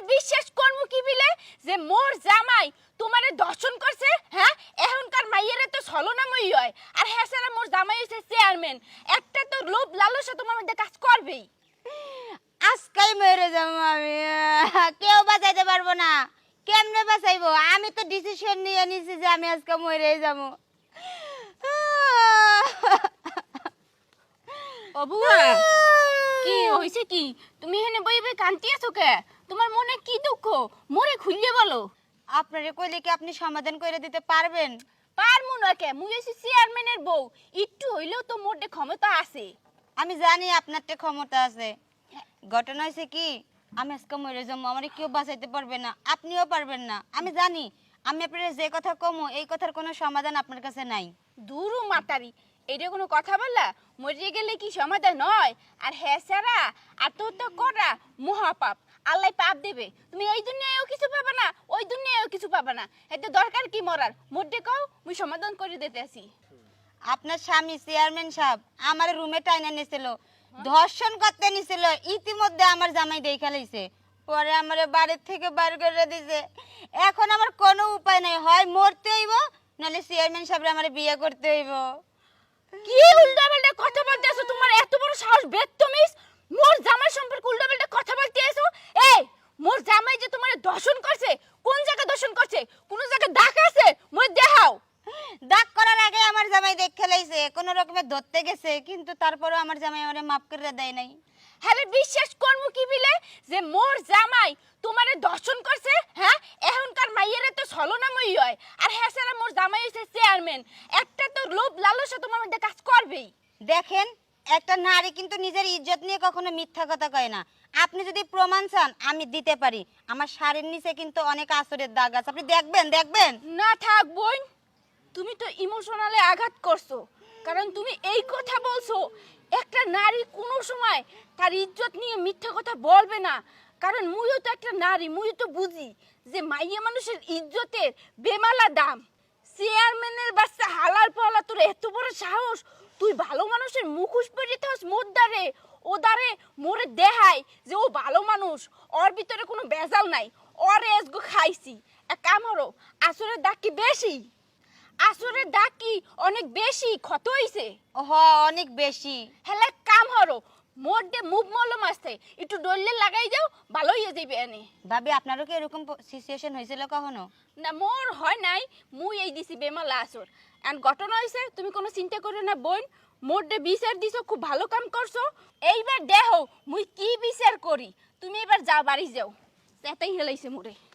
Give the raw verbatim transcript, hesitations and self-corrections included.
বিশ্বাস করমু কি বিলে যে মোর জামাই তোমারে দর্শন করছে হ্যাঁ এখনকার মাইয়েরে তো ছলনাময়ী হয় আর হ্যাঁ সারা মোর জামাই হইছে চেয়ারম্যান একটা তো লোভ লালসা তোমার মধ্যে কাজ করবেই আজকাই মরে যাবো আমি কেউ বাঁচাইতে পারবো না কেমনে বাঁচাইবো আমি তো ডিসিশন নিয়ে নিছি যে আমি আজকে মরে যাবো ও বুয়া কি হইছে কি তুমি এখানে বই বই কান্তি আছো কে তোমার মনে কি দুঃখ মোরে খুললে বলো আপনারে কইলে কি আপনি সমাধান করে দিতে পারবেন পারমু না কে মুই হইছি চেয়ারম্যানের বউ একটু হইলেও তো মোর ক্ষমতা আছে আমি জানি আপনারতে ক্ষমতা আছে ঘটনা হয়েছে কি আমি আজকে মরে যাবো আমার কেউ বাঁচাইতে পারবে না আপনিও পারবেন না আমি জানি আমি আপনার যে কথা কমো এই কথার কোনো সমাধান আপনার কাছে নাই দুরু মাতারি এটা কোনো কথা বললা মরে গেলে কি সমাধান নয় আর হ্যাঁ সারা আত্মহত্যা করা মহাপাপ আল্লাহ পাপ দেবে তুমি এই দুনিয়ায়ও কিছু পাবে না ওই দুনিয়ায়ও কিছু পাবে না এতে দরকার কি মরার মধ্যে কও মুই সমাধান করে দিতে আসি আপনার স্বামী চেয়ারম্যান সাহেব আমার রুমে টাইনা নিছিল ধর্ষণ করতে নিছিল ইতিমধ্যে আমার জামাই দেখা লইছে পরে আমার বাড়ির থেকে বাইর করে দিছে এখন আমার কোনো উপায় নাই হয় মরতে হইব নাহলে চেয়ারম্যান সাহেব আমার বিয়ে করতে হইব কি উল্টাপাল্টা কথা বলতেছো তোমার এত বড় সাহস বেদতমিজ মোর জামাই সম্পর্কে উল্টাপাল্টা কথা বলতেছো এই মোর জামাই যে তোমারে দর্শন করছে কোন জায়গা দর্শন করছে কোন জায়গা দাগ আছে মোর দেখাও দাগ করার আগে আমার জামাই দেখে লাইছে কোনো রকমে ধরতে গেছে কিন্তু তারপরেও আমার জামাই আমারে মাফ করে দেয় নাই হ্যাঁ বিশ্বাস করমু কি বিলে যে মোর জামাই তোমারে দর্শন করছে হ্যাঁ এখনকার মাইয়েরে তো ছলনাময়ী হয় আর হ্যাঁ সারা মোর জামাই হইছে চেয়ারম্যান একটা তো লোভ লালসা তোমার মধ্যে কাজ করবেই দেখেন একটা নারী কিন্তু নিজের ইজ্জত নিয়ে কখনো মিথ্যা কথা কয় না আপনি যদি প্রমাণ চান আমি দিতে পারি আমার শাড়ির নিচে কিন্তু অনেক আসরের দাগ আছে আপনি দেখবেন দেখবেন না থাক বোন তুমি তো ইমোশনালে আঘাত করছো কারণ তুমি এই কথা বলছো একটা নারী কোনো সময় তার ইজ্জত নিয়ে মিথ্যা কথা বলবে না কারণ মুইও তো একটা নারী মুইও তো বুঝি যে মাইয়া মানুষের ইজ্জতের বেমালা দাম চেয়ারম্যানের বাচ্চা হালার পালা তোর এত বড় সাহস তুই ভালো মানুষের মুখোশ পরিতে হস মোর দ্বারে ও দ্বারে মোরে দেখায় যে ও ভালো মানুষ ওর ভিতরে কোনো বেজাল নাই ওর এসগো খাইছি এক কাম হলো আসরের দাগ কি বেশি আসরের দাগ কি অনেক বেশি ক্ষত হইছে হ অনেক বেশি হেলে কাম হলো মোর দে মুভ মলম আছে একটু ডললে লাগাই যাও ভালো হয়ে যাবে এনে ভাবি আপনারও কি এরকম সিচুয়েশন হয়েছিল কখনো না মোর হয় নাই মুই এই দিছি বেমালা আসর এন্ড ঘটনা হইছে তুমি কোনো চিন্তা করো না বোন মোর দে বিচার দিছো খুব ভালো কাম করছো এইবার দেহ মুই কি বিচার করি তুমি এবার যাও বাড়ি যাও সেটাই হেলাইছে মোরে